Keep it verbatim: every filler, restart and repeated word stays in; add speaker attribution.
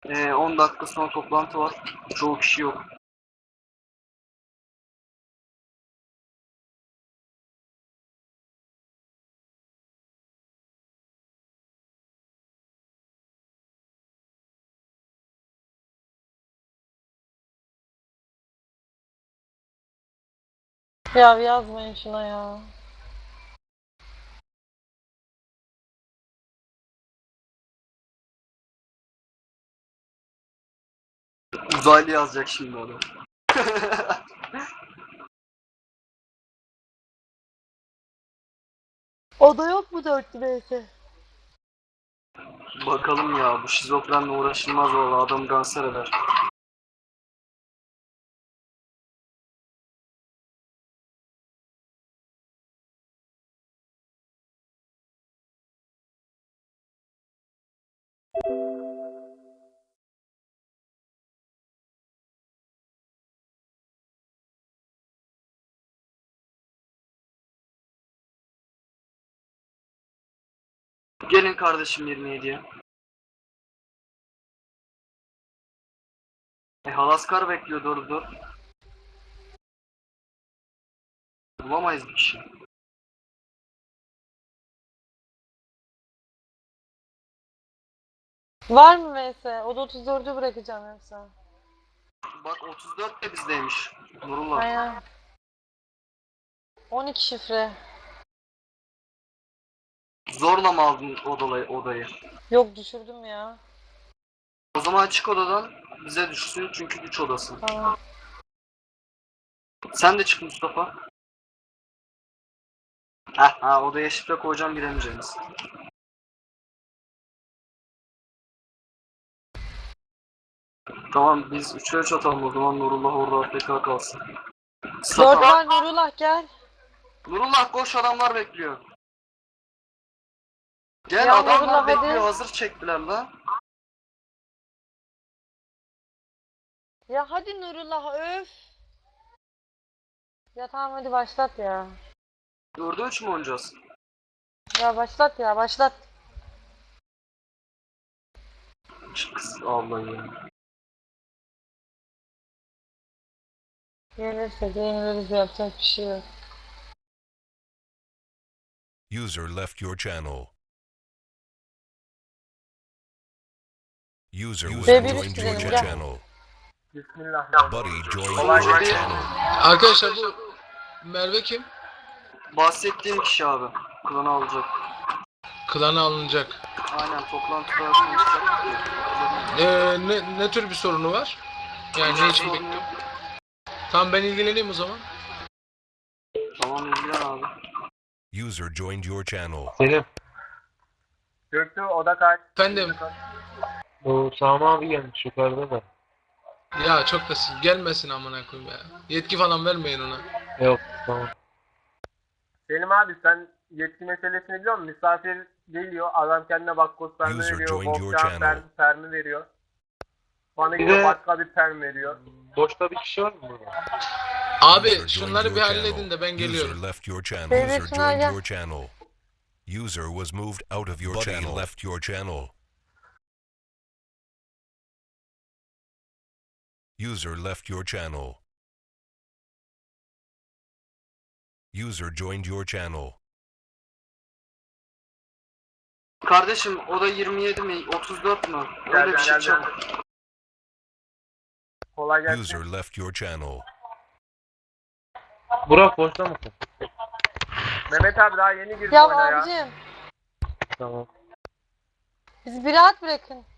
Speaker 1: Ee, on dakika sonra toplantı var. Çoğu kişi yok.
Speaker 2: Ya yazmayın şuna ya.
Speaker 1: Uzaylı yazacak şimdi adam.
Speaker 2: Oda yok mu dörtlü B'si?
Speaker 1: Bakalım ya, bu şizofrenle uğraşılmaz valla, adam kanser eder. Gelin kardeşim yirmi yediye. E, Halaskar bekliyor, dur dur. Bulamayız bir kişi.
Speaker 2: Var mı V S? Oda otuz dördü bırakacağım yoksa.
Speaker 1: Bak otuz dört de bizdeymiş. Nurullah.
Speaker 2: Aynen. on iki şifre.
Speaker 1: Zorla mı aldın odayı, odayı?
Speaker 2: Yok düşürdüm ya.
Speaker 1: O zaman çık odadan, bize düşsün çünkü güç odası.
Speaker 2: Tamam.
Speaker 1: Sen de çık Mustafa. Heh, ha, odaya şifre koyacağım, giremeyeceğiniz. Tamam, biz üçe üç atalım o zaman, Nurullah orada A F K kalsın.
Speaker 2: Dört
Speaker 1: Mustafa.
Speaker 2: var Nurullah gel.
Speaker 1: Nurullah koş, adamlar bekliyor. Gel,
Speaker 2: Ya
Speaker 1: adamlar
Speaker 2: Nurullah,
Speaker 1: bekliyor,
Speaker 2: hadi.
Speaker 1: hazır çektiler lan.
Speaker 2: Ya hadi Nurullah öf. Ya tamam hadi başlat ya.
Speaker 1: Dörde üç mü oynayacağız?
Speaker 2: Ya başlat ya başlat.
Speaker 1: Kız Allah'ım ya.
Speaker 2: Yenirse de yeniliriz, yapacak bir şey yok.
Speaker 3: User left your channel. User was
Speaker 2: Ve bir
Speaker 3: joined
Speaker 2: üst
Speaker 3: your
Speaker 2: gidelim, gel.
Speaker 3: channel.
Speaker 4: Bismillah.
Speaker 3: Buddy joined
Speaker 1: Kolay
Speaker 3: your
Speaker 1: gelsin.
Speaker 3: channel.
Speaker 5: Arkadaşlar bu Merve kim?
Speaker 1: Bahsettiğim kişi abi. Klanı alacak.
Speaker 5: Klana alınacak.
Speaker 1: Aynen, toplantıda konuşacak.
Speaker 5: Ee, ne, ne tür bir sorunu var? Yani ne için
Speaker 1: Sorun
Speaker 5: bekliyor?
Speaker 1: yok.
Speaker 5: Tamam ben ilgileneyim o zaman.
Speaker 1: Tamam, ilgilen abi.
Speaker 3: User joined your channel.
Speaker 6: Selim,
Speaker 4: Göktuğ oda kaç?
Speaker 5: Efendim.
Speaker 6: bu Sami abi gelmiş yukarıda da.
Speaker 5: Ya çok da siz gelmesin amına koyayım ya. Yetki falan vermeyin ona.
Speaker 6: Yok, tamam.
Speaker 4: Selim abi sen yetki meselesini biliyor musun? Misafir geliyor, adam kendine bakkos permi
Speaker 3: User
Speaker 4: veriyor,
Speaker 3: joined your
Speaker 4: bokçan
Speaker 3: channel.
Speaker 4: permi, permi veriyor. Bana
Speaker 6: Bir
Speaker 4: gidiyor
Speaker 6: de-
Speaker 4: başka bir perm veriyor.
Speaker 6: Boşta bir kişi var mı burada?
Speaker 5: Abi
Speaker 3: User joined
Speaker 5: şunları
Speaker 3: your
Speaker 5: bir
Speaker 3: channel.
Speaker 5: halledin de ben
Speaker 3: User
Speaker 5: geliyorum.
Speaker 3: left your channel.
Speaker 2: Devlet
Speaker 3: User
Speaker 2: şuna
Speaker 3: joined
Speaker 2: gel.
Speaker 3: your channel. User was moved out of your channel. Buddy left your channel. User left your channel. User joined your channel.
Speaker 1: Kardeşim, o da yirmi yedi mi? otuz dört mü? Öyle bir şey
Speaker 4: Geldim,
Speaker 1: çabuk.
Speaker 4: Kolay gelsin.
Speaker 3: User left your channel.
Speaker 6: Burak boşta mısın?
Speaker 4: Mehmet abi daha yeni girdi
Speaker 2: Ya
Speaker 4: oyuna ya.
Speaker 2: abicim
Speaker 6: Tamam.
Speaker 2: bizi bir rahat bırakın.